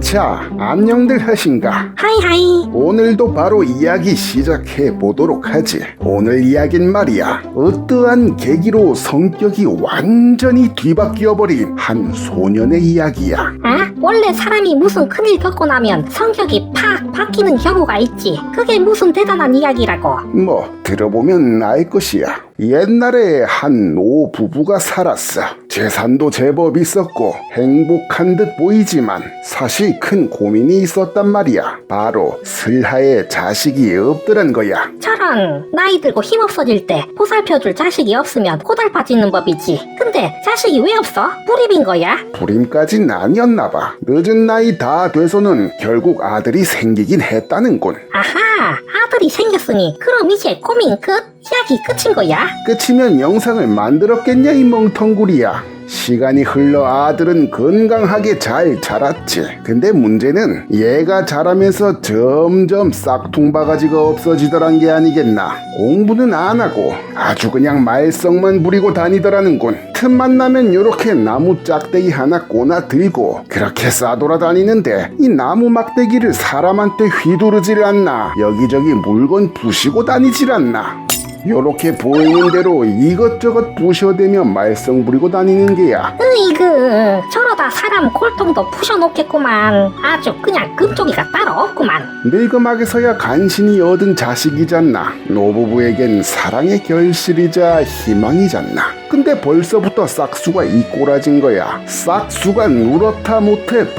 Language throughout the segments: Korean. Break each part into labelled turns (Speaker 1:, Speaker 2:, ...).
Speaker 1: 자, 안녕들 하신가?
Speaker 2: 하이하이.
Speaker 1: 오늘도 바로 이야기 시작해 보도록 하지. 오늘 이야긴 말이야, 어떠한 계기로 성격이 완전히 뒤바뀌어 버린 한 소년의 이야기야.
Speaker 2: 원래 사람이 무슨 큰일 겪고 나면 성격이 팍 바뀌는 경우가 있지. 그게 무슨 대단한 이야기라고.
Speaker 1: 뭐 들어보면 알 것이야. 옛날에 한 노 부부가 살았어. 재산도 제법 있었고 행복한 듯 보이지만 사실 큰 고민이 있었단 말이야. 바로 슬하에 자식이 없더란 거야.
Speaker 2: 저런, 나이 들고 힘없어질 때 보살펴줄 자식이 없으면 고달파지는 법이지. 근데 자식이 왜 없어? 뿌리빈 거야?
Speaker 1: 불임까진 아니었나 봐. 늦은 나이 다 돼서는 결국 아들이 생기긴 했다는군.
Speaker 2: 아하, 아들이 생겼으니 그럼 이제 고민 끝? 이야기 끝인 거야?
Speaker 1: 끝이면 영상을 만들었겠냐 이 멍텅구리야. 시간이 흘러 아들은 건강하게 잘 자랐지. 근데 문제는 얘가 자라면서 점점 싹퉁바가지가 없어지더란 게 아니겠나. 공부는 안 하고 아주 그냥 말썽만 부리고 다니더라는군. 틈만 나면 요렇게 나무 짝대기 하나 꼬나 들고 그렇게 싸돌아다니는데 이 나무 막대기를 사람한테 휘두르질 않나, 여기저기 물건 부시고 다니질 않나. 요렇게 보이는 대로 이것저것 부셔대며 말썽 부리고 다니는 게야.
Speaker 2: 으이그, 저러다 사람 골통도 부셔놓겠구만. 아주 그냥 금쪽이가 따로 없구만.
Speaker 1: 늙음악에서야 간신히 얻은 자식이잖나. 노부부에겐 사랑의 결실이자 희망이잖나. 근데 벌써부터 싹수가 이 꼬라진 거야. 싹수가 누렇다 못해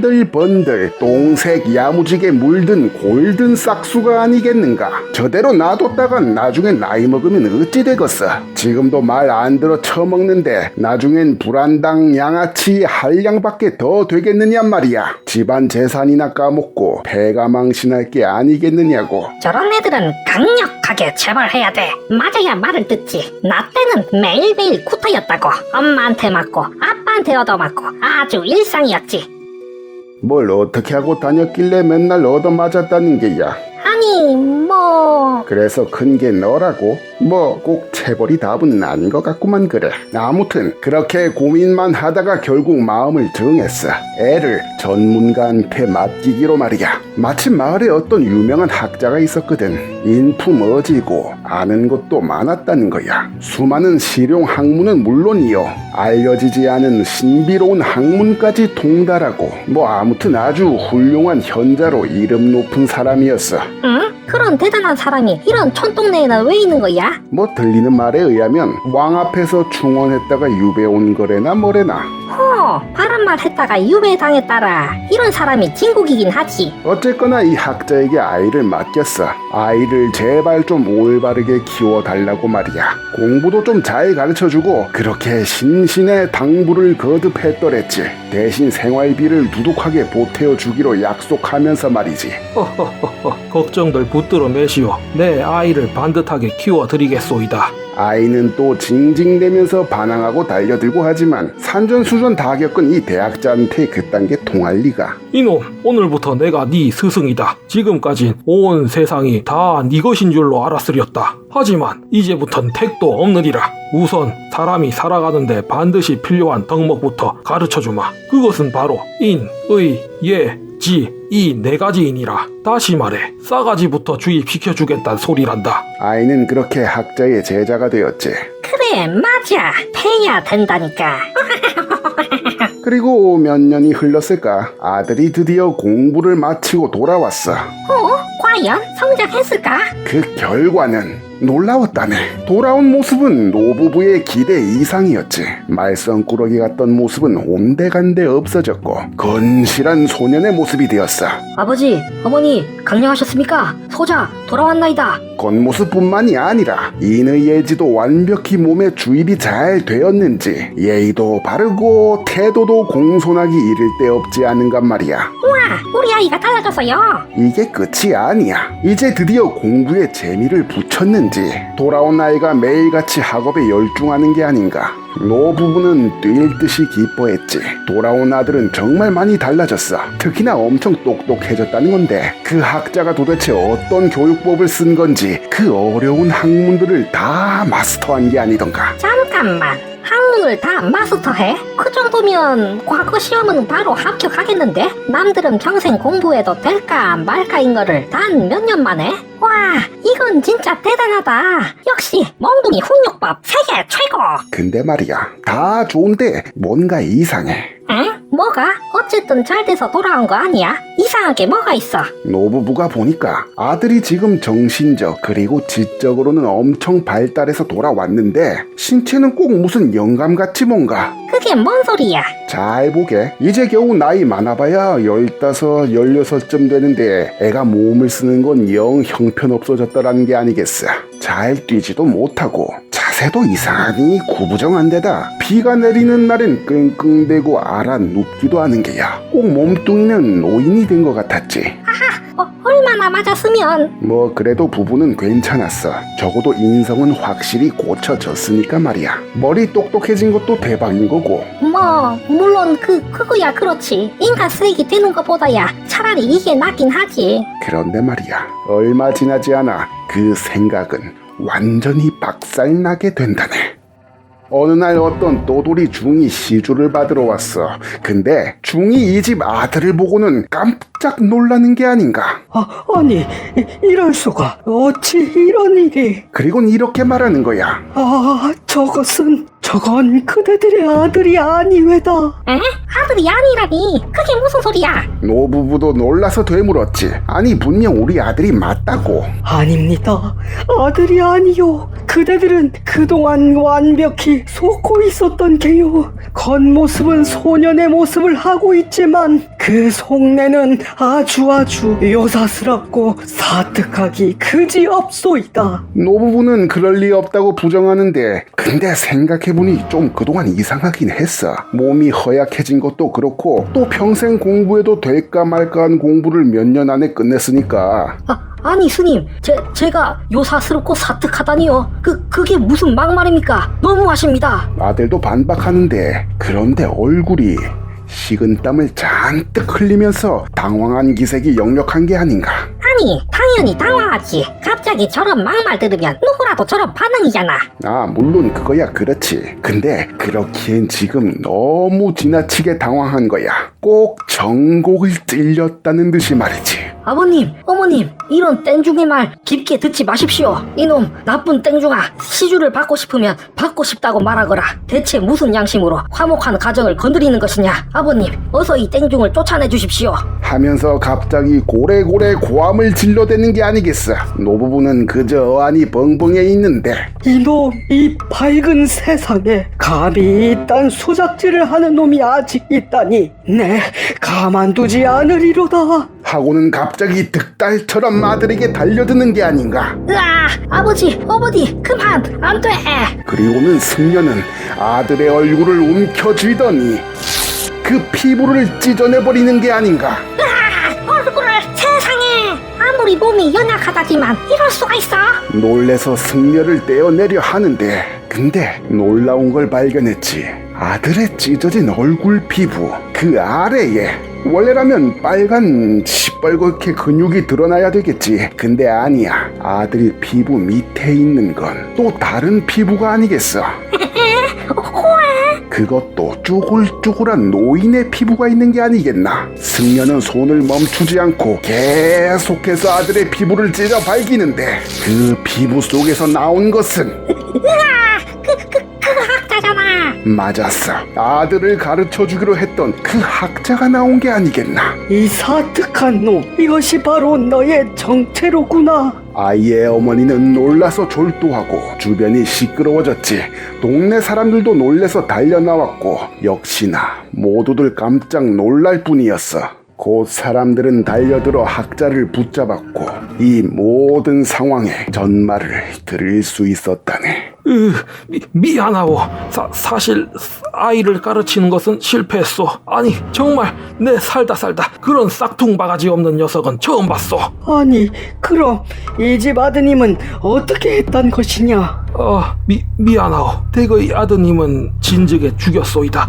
Speaker 1: 번들번들 똥색 야무지게 물든 골든 싹수가 아니겠는가. 저대로 놔뒀다간 나중에 나이 먹으면 어찌 되겠어. 지금도 말 안 들어 처먹는데 나중엔 불안당 양아치 한량밖에 더 되겠느냐 말이야. 집안 재산이나 까먹고 배가 망신할 게 아니겠느냐고.
Speaker 2: 저런 애들은 강력하게 처벌해야 돼. 맞아야 말을 듣지. 나 때는 매일매일 구타였다고. 엄마한테 맞고 아빠한테 얻어맞고 아주 일상이었지.
Speaker 1: 뭘 어떻게 하고 다녔길래 맨날 얻어맞았다는 게야.
Speaker 2: 아니 뭐...
Speaker 1: 그래서 큰 게 너라고? 뭐 꼭 체벌이 답은 아닌 것 같구만. 그래. 아무튼 그렇게 고민만 하다가 결국 마음을 정했어. 애를 전문가한테 맡기기로 말이야. 마침 마을에 어떤 유명한 학자가 있었거든. 인품어지고 아는 것도 많았다는 거야. 수많은 실용 학문은 물론이요, 알려지지 않은 신비로운 학문까지 통달하고 뭐 아무튼 아주 훌륭한 현자로 이름 높은 사람이었어.
Speaker 2: 응? 그런 대단한 사람이 이런 촌동네에는 왜 있는 거야?
Speaker 1: 뭐 들리는 말에 의하면 왕 앞에서 충원했다가 유배 온 거래나 뭐래나.
Speaker 2: 바람말 했다가 유배당했다라. 이런 사람이 진국이긴 하지.
Speaker 1: 어쨌거나 이 학자에게 아이를 맡겼어. 아이를 제발 좀 올바르게 키워달라고 말이야. 공부도 좀 잘 가르쳐주고 그렇게 신신의 당부를 거듭했더랬지. 대신 생활비를 두둑하게 보태어주기로 약속하면서 말이지.
Speaker 3: 걱정들 붙들어 매시오. 내 아이를 반듯하게 키워드리겠소이다.
Speaker 1: 아이는 또 징징대면서 반항하고 달려들고 하지만 산전수전 다 겪은 이 대학자한테 그딴 게 통할 리가.
Speaker 3: 이놈, 오늘부터 내가 네 스승이다. 지금까진 온 세상이 다 네 것인 줄로 알았으렸다. 하지만 이제부턴 택도 없느니라. 우선 사람이 살아가는데 반드시 필요한 덕목부터 가르쳐주마. 그것은 바로 인, 의, 예, 지, 이 네 가지이니라. 다시 말해 싸가지부터 주입시켜주겠단 소리란다.
Speaker 1: 아이는 그렇게 학자의 제자가 되었지.
Speaker 2: 그래 맞아. 패야 된다니까.
Speaker 1: 그리고 몇 년이 흘렀을까, 아들이 드디어 공부를 마치고 돌아왔어.
Speaker 2: 과연 성장했을까?
Speaker 1: 그 결과는 놀라웠다네. 돌아온 모습은 노부부의 기대 이상이었지. 말썽꾸러기 같던 모습은 온데간데 없어졌고 건실한 소년의 모습이 되었어.
Speaker 2: 아버지, 어머니 강령하셨습니까? 소자 돌아왔나이다.
Speaker 1: 겉모습뿐만이 아니라 인의 예지도 완벽히 몸에 주입이 잘 되었는지 예의도 바르고 태도도 공손하기 이를 데 없지 않은간 말이야.
Speaker 2: 우와, 우리 아이가 달라졌어요.
Speaker 1: 이게 끝이 아니야. 이제 드디어 공부에 재미를 붙였는지 돌아온 아이가 매일같이 학업에 열중하는 게 아닌가. 노부부는 뛸 듯이 기뻐했지. 돌아온 아들은 정말 많이 달라졌어. 특히나 엄청 똑똑해졌다는 건데 그 학자가 도대체 어떤 교육법을 쓴 건지 그 어려운 학문들을 다 마스터한 게 아니던가.
Speaker 2: 잠깐만, 학문 학문을 다 마스터해? 그 정도면 과거 시험은 바로 합격하겠는데? 남들은 평생 공부해도 될까 말까인 거를 단 몇 년 만에? 와, 이건 진짜 대단하다. 역시 멍둥이 훈육법 세계 최고.
Speaker 1: 근데 말이야, 다 좋은데 뭔가 이상해.
Speaker 2: 응? 뭐가? 어쨌든 잘 돼서 돌아온 거 아니야? 이상한 게 뭐가 있어?
Speaker 1: 노부부가 보니까 아들이 지금 정신적 그리고 지적으로는 엄청 발달해서 돌아왔는데 신체는 꼭 무슨 영감같이 뭔가.
Speaker 2: 그게 뭔 소리야?
Speaker 1: 잘 보게. 이제 겨우 나이 많아봐야 15, 16쯤 되는데 애가 몸을 쓰는 건 영 형편없어졌다라는 게 아니겠어. 잘 뛰지도 못하고 자세도 이상하니 구부정한데다 비가 내리는 날엔 끙끙대고 알아 눕기도 하는 게야. 꼭 몸뚱이는 노인이 된 것 같았지.
Speaker 2: 얼마나 맞았으면?
Speaker 1: 뭐 그래도 부부는 괜찮았어. 적어도 인성은 확실히 고쳐졌으니까 말이야. 머리 똑똑해진 것도 대박인 거고.
Speaker 2: 뭐 물론 그거야 그렇지. 인간 쓰레기 되는 것보다야 차라리 이게 낫긴 하지.
Speaker 1: 그런데 말이야, 얼마 지나지 않아 그 생각은 완전히 박살나게 된다네. 어느 날 어떤 또돌이 중이 시주를 받으러 왔어. 근데 중이 이 집 아들을 보고는 깜짝 놀라는 게 아닌가.
Speaker 4: 아니, 이럴 수가. 어찌 이런 일이.
Speaker 1: 그리곤 이렇게 말하는 거야.
Speaker 4: 저건 그대들의 아들이 아니외다.
Speaker 2: 에? 아들이 아니라니. 그게 무슨 소리야?
Speaker 1: 노부부도 놀라서 되물었지. 아니 분명 우리 아들이 맞다고.
Speaker 4: 아닙니다. 아들이 아니요. 그대들은 그동안 완벽히 속고 있었던 게요. 겉모습은 소년의 모습을 하고 있지만 그 속내는 아주 요사스럽고 사특하기 그지없소이다.
Speaker 1: 노부부는 그럴 리 없다고 부정하는데 근데 생각해보니 좀 그동안 이상하긴 했어. 몸이 허약해진 것도 그렇고 또 평생 공부해도 될까 말까한 공부를 몇 년 안에 끝냈으니까.
Speaker 2: 아니 스님, 제가 요사스럽고 사특하다니요. 그게 무슨 막말입니까? 너무하십니다.
Speaker 1: 아들도 반박하는데 그런데 얼굴이 식은땀을 잔뜩 흘리면서 당황한 기색이 역력한 게 아닌가.
Speaker 2: 아니 당연히 당황하지. 갑자기 저런 막말 들으면 누구라도 저런 반응이잖아.
Speaker 1: 물론 그거야 그렇지. 근데 그렇기엔 지금 너무 지나치게 당황한 거야. 꼭 정곡을 찔렸다는 듯이 말이지.
Speaker 2: 아버님, 어머님, 이런 땡중의 말 깊게 듣지 마십시오. 이놈 나쁜 땡중아, 시주를 받고 싶으면 받고 싶다고 말하거라. 대체 무슨 양심으로 화목한 가정을 건드리는 것이냐. 아버님, 어서 이 땡중을 쫓아내 주십시오.
Speaker 1: 하면서 갑자기 고래고래 고함을 질러대는 게 아니겠어. 노부부는 그저 어안이 벙벙해 있는데
Speaker 4: 이놈, 이 밝은 세상에 감히 이딴 수작질을 하는 놈이 아직 있다니. 네, 가만두지 않으리로다.
Speaker 1: 하고는 갑자기 득달처럼 아들에게 달려드는 게 아닌가.
Speaker 2: 으아, 아버지, 어머니, 그만, 안 돼.
Speaker 1: 그리고는 승려는 아들의 얼굴을 움켜쥐더니 그 피부를 찢어내버리는 게 아닌가.
Speaker 2: 얼굴을 세상에. 아무리 몸이 연약하다지만 이럴 수가 있어.
Speaker 1: 놀래서 승려를 떼어내려 하는데 근데 놀라운 걸 발견했지. 아들의 찢어진 얼굴 피부 그 아래에 원래라면 빨간 시뻘겋게 근육이 드러나야 되겠지. 근데 아니야. 아들 피부 밑에 있는 건 또 다른 피부가 아니겠어. 그것도 쭈글쭈글한 노인의 피부가 있는 게 아니겠나. 승려는 손을 멈추지 않고 계속해서 아들의 피부를 찢어 발기는데 그 피부 속에서 나온 것은
Speaker 2: 그 학자잖아.
Speaker 1: 맞았어. 아들을 가르쳐주기로 했던 그 학자가 나온 게 아니겠나.
Speaker 4: 이 사특한 놈, 이것이 바로 너의 정체로구나.
Speaker 1: 아이의 어머니는 놀라서 졸도하고 주변이 시끄러워졌지. 동네 사람들도 놀래서 달려나왔고 역시나 모두들 깜짝 놀랄 뿐이었어. 곧 사람들은 달려들어 학자를 붙잡았고 이 모든 상황의 전말을 들을 수 있었다네.
Speaker 3: 미안하오. 사실 아이를 가르치는 것은 실패했어. 아니 정말 내 살다 그런 싹퉁바가지 없는 녀석은 처음 봤어.
Speaker 4: 아니, 그럼 이 집 아드님은 어떻게 했단 것이냐?
Speaker 3: 미안하오. 대거의 아드님은 진즉에 죽였소이다.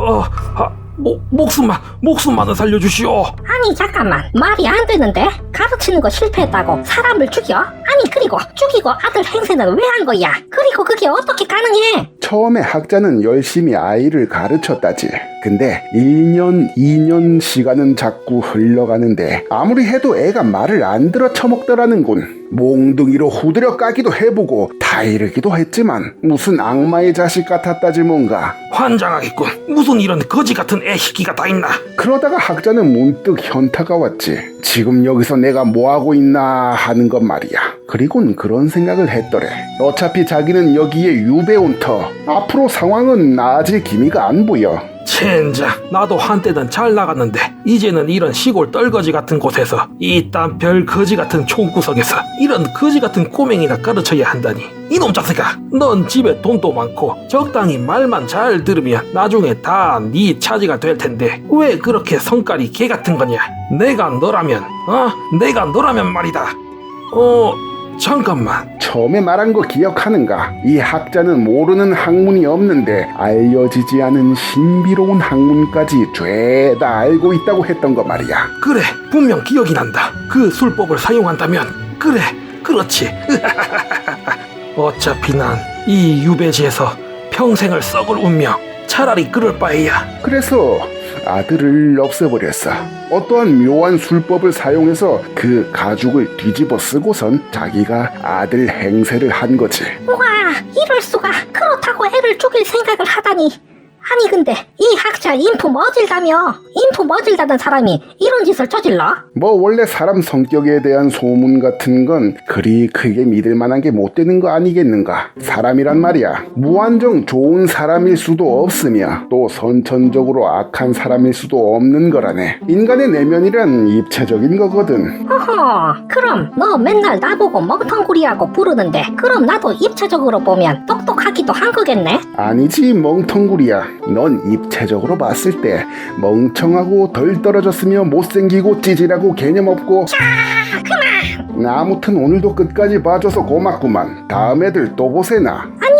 Speaker 3: 목숨만은 살려주시오.
Speaker 2: 아니 잠깐만, 말이 안 되는데. 가르치는 거 실패했다고 사람을 죽여? 아니 그리고 죽이고 아들 행세는 왜 한 거야? 그리고 그게 어떻게 가능해?
Speaker 1: 처음에 학자는 열심히 아이를 가르쳤다지. 근데 1년, 2년 시간은 자꾸 흘러가는데 아무리 해도 애가 말을 안 들어 처먹더라는군. 몽둥이로 후드려 까기도 해보고 타이르기도 했지만 무슨 악마의 자식 같았다지 뭔가.
Speaker 3: 환장하겠군. 무슨 이런 거지 같은 애시기가 다 있나?
Speaker 1: 그러다가 학자는 문득 현타가 왔지. 지금 여기서 내가 뭐하고 있나 하는 것 말이야. 그리곤 그런 생각을 했더래. 어차피 자기는 여기에 유배 온 터. 앞으로 상황은 나아질 기미가 안 보여.
Speaker 3: 젠장, 나도 한때는 잘 나갔는데 이제는 이런 시골 떨거지 같은 곳에서 이딴 별 거지 같은 총구석에서 이런 거지 같은 꼬맹이나 가르쳐야 한다니. 이놈 자식아, 넌 집에 돈도 많고 적당히 말만 잘 들으면 나중에 다 네 차지가 될 텐데 왜 그렇게 성깔이 개 같은 거냐? 내가 너라면 말이다. 잠깐만.
Speaker 1: 처음에 말한 거 기억하는가? 이 학자는 모르는 학문이 없는데 알려지지 않은 신비로운 학문까지 죄다 알고 있다고 했던 거 말이야.
Speaker 3: 그래, 분명 기억이 난다. 그 술법을 사용한다면 그래, 그렇지. 어차피 난 이 유배지에서 평생을 썩을 운명. 차라리 그럴 바에야.
Speaker 1: 그래서 아들을 없애버렸어. 어떠한 묘한 술법을 사용해서 그 가죽을 뒤집어 쓰고선 자기가 아들 행세를 한 거지.
Speaker 2: 와, 이럴 수가. 그렇다고 애를 죽일 생각을 하다니. 아니 근데 이 학자 인품 어질다며? 인품 어질다는 사람이 이런 짓을 저질러?
Speaker 1: 뭐 원래 사람 성격에 대한 소문 같은 건 그리 크게 믿을 만한 게 못 되는 거 아니겠는가. 사람이란 말이야, 무한정 좋은 사람일 수도 없으며 또 선천적으로 악한 사람일 수도 없는 거라네. 인간의 내면이란 입체적인 거거든.
Speaker 2: 허허, 그럼 너 맨날 나보고 멍텅구리라고 부르는데 그럼 나도 입체적으로 보면 똑똑하기도 한 거겠네?
Speaker 1: 아니지 멍텅구리야. 넌 입체적으로 봤을 때 멍청하고 덜 떨어졌으며 못생기고 찌질하고 개념 없고. 아무튼 오늘도 끝까지 봐줘서 고맙구만. 다음 애들 또 보세나.
Speaker 2: 아니